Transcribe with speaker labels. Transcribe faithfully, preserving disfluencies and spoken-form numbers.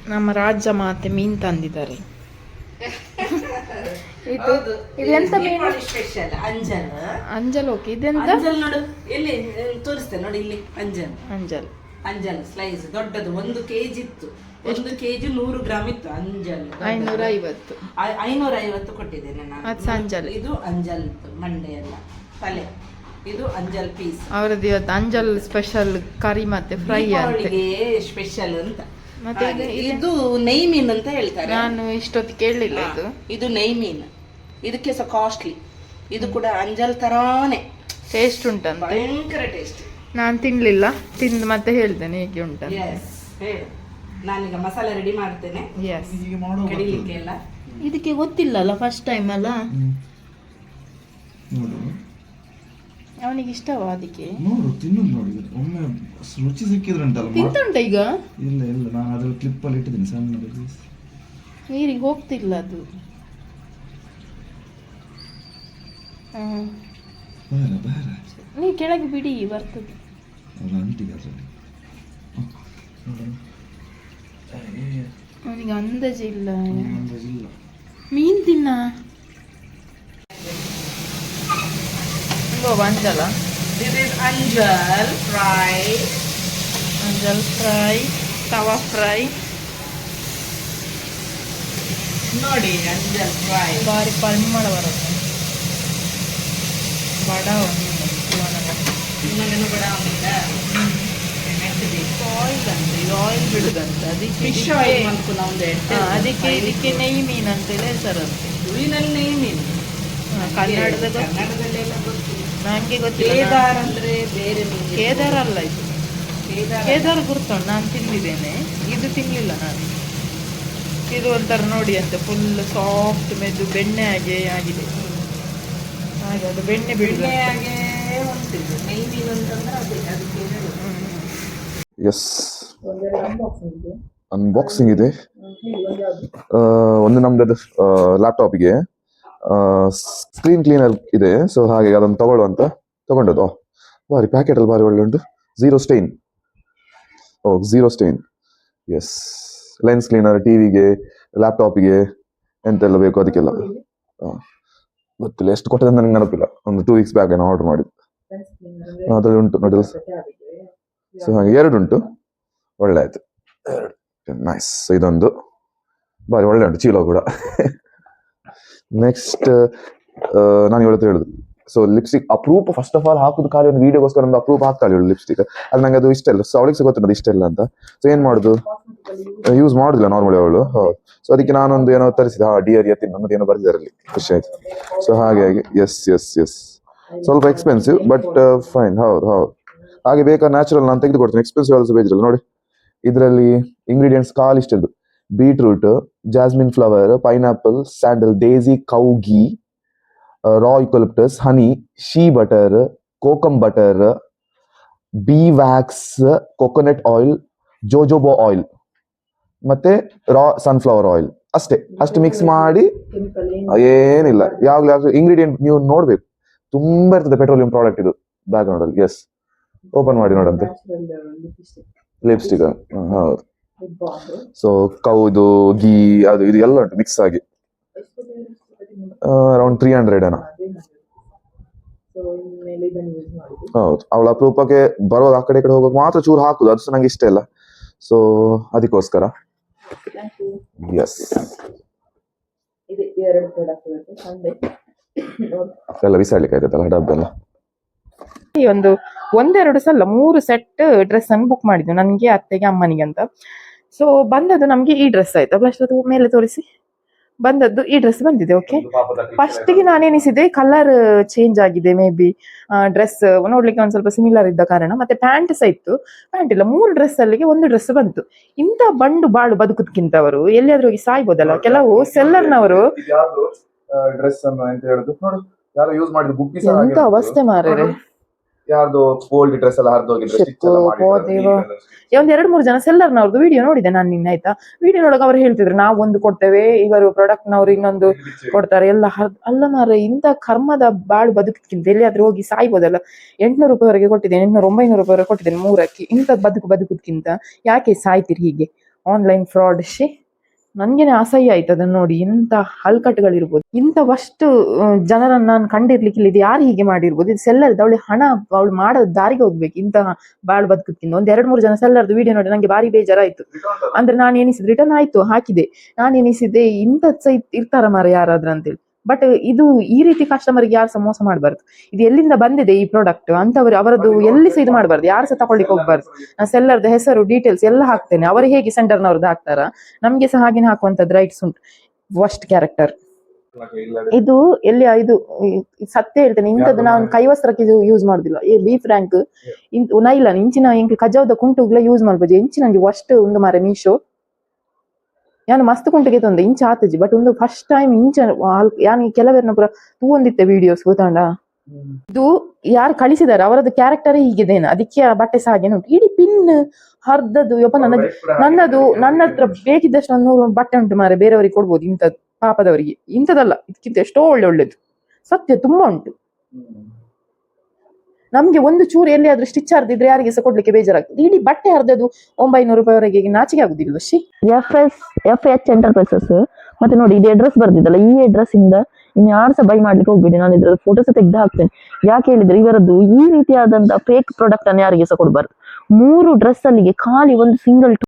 Speaker 1: ನಮ್ಮ ರಾಜ್ಯ ಮಾತೆ ಮೀನು ತಂದಿದ್ದಾರೆ. ಇದು ಇದೆಂತ ಮೀನು?
Speaker 2: ಸ್ಪೆಷಲ್ ಅಂಜಲ್.
Speaker 1: ಅಂಜಲ್. ಓಕೆ, ಇದೆಂತ?
Speaker 2: ಅಂಜಲ್ ನೋಡು, ಇಲ್ಲಿ ತೋರಿಸ್ತೇನೆ ನೋಡಿ, ಇಲ್ಲಿ ಅಂಜಲ್.
Speaker 1: ಅಂಜಲ್
Speaker 2: ಅಂಜಲ್ ಸ್ಲೈಸ್ ದೊಡ್ಡದು, ಒಂದು ಕೆಜಿ ಇತ್ತು. ಒಂದು ಕೆಜಿ ನೂರು ಗ್ರಾಮ್ ಇತ್ತು ಅಂಜಲ್.
Speaker 1: ಐನೂರ ಐವತ್ತು
Speaker 2: ಐನೂರ ಐವತ್ತು ಕೊಟ್ಟಿದ್ದೇನೆ ನಾನು.
Speaker 1: ಅದು ಅಂಜಲ್.
Speaker 2: ಇದು ಅಂಜಲ್ ಮಂಡೆ ಎಲ್ಲ ತಲೆ, ಇದು ಅಂಜಲ್ ಪೀಸ್.
Speaker 1: ಅವರದ್ದು ಇವತ್ತು ಅಂಜಲ್ ಸ್ಪೆಷಲ್ ಕರಿ ಮತ್ತೆ ಫ್ರೈ ಅಂತ
Speaker 2: ಸ್ಪೆಷಲ್ ಅಂತ.
Speaker 1: ಮತ್ತೆ
Speaker 2: ಇದು ನೈ ಮೀನ್ ಅಂತ ಹೇಳ್ತಾರೆ.
Speaker 1: ನಾನು ಇಷ್ಟೊತ್ತು ಕೇಳಲಿಲ್ಲ. ಇದು
Speaker 2: ಇದು ನೈ ಮೀನ್, ಇದಕ್ಕೆ ಸಹ ಕಾಸ್ಟ್ಲಿ. ಇದು ಕೂಡ ಅಂಜಲ್ ತರಾನೇ
Speaker 1: ಟೇಸ್ಟ್ ಉಂಟಂತೆ,
Speaker 2: ಭಯಂಕರ ಟೇಸ್ಟ್.
Speaker 1: ನಾನು ತಿನ್ಲಿಲ್ಲ, ತಿಂದು ಮತ್ತೆ ಹೇಳ್ತೇನೆ ಹೇಗೆ ಉಂಟಂತ.
Speaker 2: ನಾನೀಗ ಮಸಾಲೆ ರೆಡಿ ಮಾಡ್ತೇನೆ.
Speaker 1: ಎಸ್,
Speaker 2: ಕಡಿಲಿಕ್ಕೆ ಎಲ್ಲ
Speaker 1: ಇದಕ್ಕೆ ಗೊತ್ತಿಲ್ಲ ಅಲ್ಲ, ಫಸ್ಟ್ ಟೈಮ್ ಅಲ್ಲ. ಅವನಿಗೆ ಇಷ್ಟವಾ ಅದಕ್ಕೆ?
Speaker 3: ನೋಡು, ತಿನ್ನೋದು ನೋಡಿ, ಒಮ್ಮೆ ರುಚಿ ಸಿಕ್ಕಿದ್ರೆ ಉಂಟಲ್ಲ.
Speaker 1: ತಿಂತುಂಟ ಈಗ?
Speaker 3: ಇಲ್ಲ ಇಲ್ಲ, ನಾನು ಅದ್ರ ಕ್ಲಿಪ್ ಅಲ್ಲಿ ಇಟ್ಟಿದ್ದೀನಿ ಸಣ್ಣ.
Speaker 1: ನೀರಿಗೆ ಹೋಗ್ತಿಲ್ಲ ಅದು.
Speaker 3: ಬೇರೆ ಬೇರೆ
Speaker 1: ನೀ ಕೆಳಗೆ ಬಿಡಿ, ಬರ್ತದೆ.
Speaker 3: ಅದು ಅಂಟಿಗೆ ಅದರಲ್ಲಿ
Speaker 1: ಅವನಿಗೆ ಅಂದಾಜು ಇಲ್ಲ.
Speaker 3: ಇಲ್ಲ
Speaker 1: ಮೀನು ತಿನ್ನ ಅಂಜಲ.
Speaker 2: This is anjal fry.
Speaker 1: Anjal fry, tawa fry
Speaker 2: ನೋಡಿ. ಅಂಜಲ್ ಫ್ರೈ
Speaker 1: ಭಾರಿ ಪರಿಮಳ ಬರುತ್ತೆ. ಬಡ
Speaker 2: ನಿಮಗೇನು ಬೇಡ ಆಮೇಲೆ
Speaker 1: ಆಯಿಲ್ ಅಂತ, ಇದು ಆಯಿಲ್ ಬಿಡುದಂತ. ಅದಕ್ಕೆ
Speaker 2: ಫಿಶ್ ಆಯಿಲ್ ಮಾಡ್ಕೊಂಡು ಒಂದು
Speaker 1: ಅದಕ್ಕೆ ಇದಕ್ಕೆ ನೆಯ್ ಮೀನು ಅಂತೇಳಿ ಹೆಸರಂತೆ.
Speaker 2: ಹುಳಿನಲ್ಲಿ ನೈ ಮೀನು.
Speaker 1: ಕನ್ನಡದ
Speaker 2: ಕನ್ನಡದಲ್ಲೆಲ್ಲ ಗೊತ್ತಿಲ್ಲ
Speaker 1: ನನಗೆ ಗೊತ್ತಿಲ್ಲ.
Speaker 2: ಕೇದಾರ್ ಅಂದ್ರೆ ಬೇರೆ ಮೀನು.
Speaker 1: ಕೇದಾರ ಅಲ್ಲ ಇದು.
Speaker 2: ಕೇದಾರ್
Speaker 1: ಕೇದಾರ ಗುರ್ತುಂಟು, ನಾನು ತಿಂದಿದ್ದೇನೆ. ಇದು ತಿನ್ನಲಿಲ್ಲ ನಾನು. ಇದು ಒಂಥರ ನೋಡಿ ಅಂತ ಫುಲ್ ಸಾಫ್ಟ್ ಮೆದು ಬೆಣ್ಣೆ ಹಾಗೆ ಆಗಿದೆ. ಹಾಗೆ ಅದು ಬೆಣ್ಣೆ ಬಿಡುತ್ತೆ.
Speaker 2: ಹಾಗೆ ಹೊಂಟಿದ್ದು ನೈ ಮೀನು ಅಂತಂದ್ರೆ ಅದೇ ಅದಕ್ಕೆ ಹೇಳೋದು.
Speaker 3: ಎಸ್, ಅನ್ಬಾಕ್ಸಿಂಗ್ ಇದೆ. ಒಂದು ನಮ್ದು ಲ್ಯಾಪ್ಟಾಪಿಗೆ ಸ್ಕ್ರೀನ್ ಕ್ಲೀನರ್ ಇದೆ, ಸೊ ಹಾಗೆ ಅದನ್ನು ತಗೊಳ್ಳುವಂತ ತಗೊಂಡದ್ದು. ಬಾರಿ ಪ್ಯಾಕೆಟ್ ಅಲ್ಲಿ ಬಾರಿ ಒಳ್ಳೆ ಉಂಟು. Zero stain. Oh, zero stain. Yes, lens cleaner, ಟಿವಿಗೆ, ಲ್ಯಾಪ್ಟಾಪಿಗೆ ಎಂತೆಲ್ಲ ಬೇಕು ಅದಕ್ಕೆಲ್ಲ. ಗೊತ್ತಿಲ್ಲ ಎಷ್ಟು ಕೊಟ್ಟದೆ ನನಗೆ ನೆನಪಿಲ್ಲ. ಒಂದು ಟೂ ವೀಕ್ಸ್ ಬ್ಯಾಕ್ ಏನೋ ಆರ್ಡರ್ ಮಾಡಿದ್ದು. ಅದ್ರಲ್ಲಿ ಉಂಟು ನೋಡಿ. ಸೊ ಹಾಗೆ ಎರಡು ಉಂಟು, ಒಳ್ಳೆ ಆಯ್ತು. ನೈಸ್. ಇದೊಂದು ಬಾರಿ ಒಳ್ಳೆ ಉಂಟು, ಚೀಲ ಕೂಡ. ನೆಕ್ಸ್ಟ್ ನಾನು ಇವತ್ತು ಹೇಳುದು, ಸೊ ಲಿಪ್ಸ್ಟಿಕ್ ಅಪ್ರೂಪ್. ಫಸ್ಟ್ ಆಫ್ ಆಲ್ ಹಾಕುದು ಖಾಲಿ ಒಂದು ವಿಡಿಯೋಗೋಸ್ಕರ ಒಂದು ಅಪ್ರೂಪ್ ಹಾಕ್ತಾಳೆ ಇವಳು ಲಿಪ್ಸ್ಟಿಕ್. ಅದು ನಂಗೆ ಅದು ಇಷ್ಟ ಇಲ್ಲ. ಸೊ ಅವಳಿಗೆ ಗೊತ್ತಿಲ್ಲ ಇಷ್ಟ ಇಲ್ಲ ಅಂತ. ಸೊ ಏನ್ ಮಾಡುದು, ಯೂಸ್ ಮಾಡುದಿಲ್ಲ ನಾರ್ಮಲಿ ಅವಳು. ಹೌದು. ಸೊ ಅದಕ್ಕೆ ನಾನೊಂದು ಏನೋ ತರಿಸಿದೆ. ಹಾ, ಡಿಯರ್ ಯತಿನ್ ಅನ್ನೋದು ಏನೋ ಬರ್ದಿದ್ದಾರಲ್ಲಿ, ಖುಷಿ ಆಯ್ತು. ಸೊ ಹಾಗಾಗಿ ಎಸ್ ಎಸ್ ಎಸ್ ಸ್ವಲ್ಪ ಎಕ್ಸ್ಪೆನ್ಸಿವ್ ಬಟ್ ಫೈನ್. ಹೌದು ಹೌದು. ಹಾಗೆ ಬೇಕಾ ನ್ಯಾಚುರಲ್ ನಾನು ತೆಗೆದು ಕೊಡ್ತೀನಿ. ಎಕ್ಸ್ಪೆನ್ಸಿವ್ ಆಲ್ಸೋ ಬೇಜಲ್ಲ. ನೋಡಿ ಇದರಲ್ಲಿ ಇಂಗ್ರೀಡಿಯೆಂಟ್ಸ್ ಕಾಲ್ ಇಷ್ಟದ್ದು: beetroot, jasmine flower, pineapple, sandal, daisy, cow ghee, raw eucalyptus, honey, shea butter, kokum butter, bee wax, coconut oil, jojoba oil ಮತ್ತೆ ರಾ ಸನ್ಫ್ಲವರ್ ಆಯಿಲ್. ಅಷ್ಟೇ. ಅಷ್ಟು ಮಿಕ್ಸ್ ಮಾಡಿ, ಏನಿಲ್ಲ. ಯಾವಾಗಲೂ ಯಾವಾಗಲೂ ಇಂಗ್ರೀಡಿಯೆಂಟ್ ನೀವು ನೋಡ್ಬೇಕು, ತುಂಬಾ ಇರ್ತದೆ ಪೆಟ್ರೋಲಿಯಂ ಪ್ರಾಡಕ್ಟ್ ಇದು ಬ್ಯಾಕ್ ಗ್ರೌಂಡ್ ಅಲ್ಲಿ. ಎಸ್, ಓಪನ್ ಮಾಡಿ ನೋಡಂತೆ. ಲಿಪ್ಸ್ಟಿಕ್. ಹೌದು. ಸೊ ಕೌ, ಇದು ಗೀ, ಅದು ಇದು ಎಲ್ಲ ಉಂಟು ಮಿಕ್ಸ್ ಆಗಿ. ಅರೌಂಡ್ ತ್ರೀ ಹಂಡ್ರೆಡ್ ಏನೋ. ಹೌದು. ಅವಳ ಅಪರೂಪಕ್ಕೆ ಬರೋದು ಆ ಕಡೆ ಕಡೆ ಹೋಗೋಕೆ ಮಾತ್ರ ಚೂರು ಹಾಕುದು, ಅದು ನಂಗೆ ಇಷ್ಟ ಇಲ್ಲ. ಸೊ ಅದಕ್ಕೋಸ್ಕರ ಎಸ್ ಎಲ್ಲ ಬಿಸಾಡ್ಲಿಕ್ಕೆ ಆಯ್ತಲ್ಲ ಡಬ್ಬೆಲ್ಲ.
Speaker 1: ಒಂದು ಒಂದೆರಡು ಸಲ ಮೂರು ಸೆಟ್ ಡ್ರೆಸ್ ಅನ್ನು ಬುಕ್ ಮಾಡಿದ್ವಿ, ನನಗೆ, ಅತ್ತೆಗೆ, ಅಮ್ಮನಿಗೆ ಅಂತ. ಸೊ ಬಂದದ್ದು ನಮ್ಗೆ ಈ ಡ್ರೆಸ್ ಆಯ್ತು. ಬ್ಲಶ್ ಅದು ಮೇಲೆ ತೋರಿಸಿ. ಬಂದದ್ದು ಈ ಡ್ರೆಸ್ ಬಂದಿದೆ. ಓಕೆ, ಫಸ್ಟಿಗೆ ನಾನೇನಿಸಿದೆ ಕಲರ್ ಚೇಂಜ್ ಆಗಿದೆ, ಮೇ ಬಿ ಡ್ರೆಸ್ ನೋಡ್ಲಿಕ್ಕೆ ಒಂದ್ ಸ್ವಲ್ಪ ಸಿಮಿಲರ್ ಇದ್ದ ಕಾರಣ. ಮತ್ತೆ ಪ್ಯಾಂಟ್ ಸಹ ಇತ್ತು, ಪ್ಯಾಂಟ್ ಇಲ್ಲ. ಮೂರು ಡ್ರೆಸ್ ಅಲ್ಲಿಗೆ ಒಂದು ಡ್ರೆಸ್ ಬಂತು. ಇಂಥ ಬಂಡು ಬಾಳು ಬದುಕುದಕ್ಕಿಂತ ಅವರು ಎಲ್ಲಿಯಾದ್ರೂ ಹೋಗಿ ಸಾಯ್ಬೋದಲ್ಲ. ಕೆಲವು ಸೆಲ್ಲರ್ನವರು
Speaker 3: ಡ್ರೆಸ್ ಅನ್ನು ಅಂತ ಹೇಳುದು ನೋಡು, ಯಾರು ಯೂಸ್ ಮಾಡಿದ ಗುಬ್ಬಿ
Speaker 1: ಎಂತ ಅವಸ್ಥೆ ಮಾರ್ರೆ.
Speaker 3: ಯಾರ್ದು ಓಲ್ಡ್ ಡ್ರೆಸ್ ಎಲ್ಲ ಹರಿದೋಗಿದ್ರೆ
Speaker 1: ಒಂದ್ ಎರಡು ಮೂರು ಜನ ಸೆಲ್ಲರ್ನವ್ರದ್ದು ವಿಡಿಯೋ ನೋಡಿದೆ ನಾನು ನಿನ್ನೆ. ಆಯ್ತಾ, ವಿಡಿಯೋ ನೋಡಕ್ ಅವ್ರು ಹೇಳ್ತಿದ್ರು ನಾವು ಒಂದು ಕೊಡ್ತೇವೆ, ಇವರು ಪ್ರಾಡಕ್ಟ್ ನವ್ರು ಇನ್ನೊಂದು ಕೊಡ್ತಾರೆ ಎಲ್ಲ. ಅಲ್ಲ ಮಾರ, ಇಂಥ ಕರ್ಮದ ಬಾಳು ಬದುಕಿಕ್ಕಿಂತ ಎಲ್ಲಿಯಾದ್ರೂ ಹೋಗಿ ಸಾಯ್ಬೋದಲ್ಲ. ಎಂಟ್ನೂರು ರೂಪಾಯಿವರೆಗೆ ಕೊಟ್ಟಿದ್ದೇನೆ, ಎಂಟ್ನೂರು ಒಂಬೈನೂರು ರೂಪಾಯಿವರೆಗೆ ಕೊಟ್ಟಿದ್ದೇನೆ ಮೂರಕ್ಕೆ. ಇಂಥ ಬದುಕು ಬದುಕುದಕ್ಕಿಂತ ಯಾಕೆ ಸಾಯ್ತಿರಿ ಹೀಗೆ? ಆನ್ಲೈನ್ ಫ್ರಾಡ್ ಶಿ ನನ್ಗೇನೆ ಅಸಹ್ಯ ಆಯ್ತು ಅದನ್ನ ನೋಡಿ. ಇಂಥ ಹಲ್ಕಟ್ಟುಗಳಿರ್ಬೋದು, ಇಂಥವಷ್ಟು ಜನರನ್ನ ನಾನು ಕಂಡಿರ್ಲಿಕ್ಕಿಲ್ಲ. ಇದು ಯಾರು ಹೀಗೆ ಮಾಡಿರ್ಬೋದು? ಇದು ಸೆಲ್ಲರ್ದು, ಅವಳು ಹಣ ಅವಳು ಮಾಡೋ ದಾರಿಗೆ ಹೋಗ್ಬೇಕು ಇಂತಹ ಬಾಳ್ ಬದುಕಕ್ಕಿಂತ. ಒಂದ್ ಎರಡ್ ಮೂರು ಜನ ಸೆಲ್ಲರ್ದು ವಿಡಿಯೋ ನೋಡಿ ನಂಗೆ ಬಾರಿ ಬೇಜಾರಾಯ್ತು. ಅಂದ್ರೆ ನಾನು ಎನಿಸಿದ್ದು ರಿಟರ್ನ್ ಆಯ್ತು, ಹಾಕಿದೆ. ನಾನು ಎನಿಸಿದ್ದೆ ಇಂಥದ್ ಸಹ ಇರ್ತಾರ ಮಾರ ಯಾರಾದ್ರ ಅಂತೇಳಿ. ಬಟ್ ಇದು ಈ ರೀತಿ ಕಸ್ಟಮರ್ಗೆ ಯಾರು ಸಹ ಮೋಸ ಮಾಡಬಾರ್ದು. ಇದು ಎಲ್ಲಿಂದ ಬಂದಿದೆ ಈ ಪ್ರಾಡಕ್ಟ್ ಅಂತವ್ರು ಅವರದ್ದು ಎಲ್ಲಿ ಸಹ ಇದು ಮಾಡಬಾರ್ದು, ಯಾರು ಸಹ ತಗೊಳ್ಳಿಕ್ಕೆ ಹೋಗ್ಬಾರ್ದು. ನಾನು ಸೆಲ್ಲರ್ದ ಹೆಸರು ಡೀಟೇಲ್ಸ್ ಎಲ್ಲ ಹಾಕ್ತೇನೆ. ಅವರು ಹೇಗೆ ಸೆಂಟರ್ನವ್ರದ್ದು ಹಾಕ್ತಾರ, ನಮ್ಗೆ ಸಹ ಹಾಗೆ ಹಾಕುವಂತದ್ದು ರೈಟ್ಸ್ ಉಂಟು. ವರ್ಸ್ಟ್ ಕ್ಯಾರೆಕ್ಟರ್ ಇದು. ಎಲ್ಲಿ ಇದು ಸತ್ಯ ಹೇಳ್ತೇನೆ, ಇಂಥದ್ದು ನಾವು ಕೈವಸ್ತ್ರಕ್ಕೆ ಯೂಸ್ ಮಾಡುದಿಲ್ಲ. ಈ ಬೀಫ್ ರ್ಯಾಂಕ್ ನೈಲನ್ ಇಂಚಿನ ಇಂಕ್ ಕಜಾವದ ಕುಂಟುಗ್ಲ ಯೂಸ್ ಮಾಡ್ಬೋದು. ಇಂಚಿ ನಂಗೆ ವರ್ಸ್ಟ್ ಒಂದು ಮಾರೆ ಮೀಶೋ. ಯಾನು ಮಸ್ತ್ ಕುಂಟಿಗೆ ತಂದೆ ಇಂಚ ಆತಜಿ. ಬಟ್ ಒಂದು ಫಸ್ಟ್ ಟೈಮ್ ಇಂಚ ಯಾನ್ ಕೆಲವರನ್ನ ಪುರ ತೂವೊಂದಿತ್ತೆ ವಿಡಿಯೋಸ್ ಗೊತ್ತಾಂಡ. ಇದು ಯಾರು ಕಳಿಸಿದಾರೆ ಅವರದ್ದು ಕ್ಯಾರೆಕ್ಟರ್ ಹೀಗಿದೇನು, ಅದಕ್ಕೆ ಆ ಬಟ್ಟೆ ಸಹ ಹಾಗೆ ಉಂಟು. ಇಡೀ ಪಿನ್ ಹರ್ದದ್ದು. ಯಪ್ಪ ನನ್ನ ನನ್ನದು ನನ್ನ ಹತ್ರ ಬೇಕಿದ್ದಷ್ಟು ಒಂದು ನೂರು ಬಟ್ಟೆ ಉಂಟು ಮಾರೆ, ಬೇರೆಯವರಿಗೆ ಕೊಡ್ಬೋದು. ಇಂಥದ್ದು ಪಾಪದವರಿಗೆ ಇಂಥದ್ದಲ್ಲ, ಇದಕ್ಕಿಂತ ಎಷ್ಟೋ ಒಳ್ಳೆ ಒಳ್ಳೇದು. ಸತ್ಯ ತುಂಬಾ ಉಂಟು. ನಮ್ಗೆ ಒಂದು ಚೂರು ಎಲ್ಲಿಯಾದ್ರೂ ಸ್ಟಿಚ್ ಹರಿದಿದ್ರೆ ಯಾರಿಗೆ ಸಹ ಕೊಡ್ಲಿಕ್ಕೆ ಬೇಜಾರಾಗ್ತದೆ. ಇಡೀ ಬಟ್ಟೆ ಹರಿದದ್ದು ಒಂಬೈನೂರು ರೂಪಾಯಿವರೆಗೆ ನಾಚಿಕೆ ಆಗುದಿಲ್ಲ. ಶಿ F S F H enterprises. ಮತ್ತೆ ನೋಡಿ ಇದು ಅಡ್ರೆಸ್ ಬರ್ದಿದ್ದಲ್ಲ, ಈ ಅಡ್ರೆಸ್ ಇಂದ ಇನ್ನು ಯಾರು ಸಹ ಬೈ ಮಾಡ್ಲಿಕ್ಕೆ ಹೋಗ್ಬೇಡಿ. ನಾನು ಇದ್ರಲ್ಲಿ ಫೋಟೋಸ್ ತೆಗೆದು ಹಾಕ್ತೇನೆ. ಯಾಕೆ ಹೇಳಿದ್ರೆ ಇವರದ್ದು ಈ ರೀತಿಯಾದಂತಹ ಫೇಕ್ ಪ್ರಾಡಕ್ಟ್ ಅನ್ನು ಯಾರಿಗೆ ಸಹ ಕೊಡಬಾರ್ದು. ಮೂರು ಡ್ರೆಸ್ ಅಲ್ಲಿಗೆ ಖಾಲಿ ಒಂದು ಸಿಂಗಲ್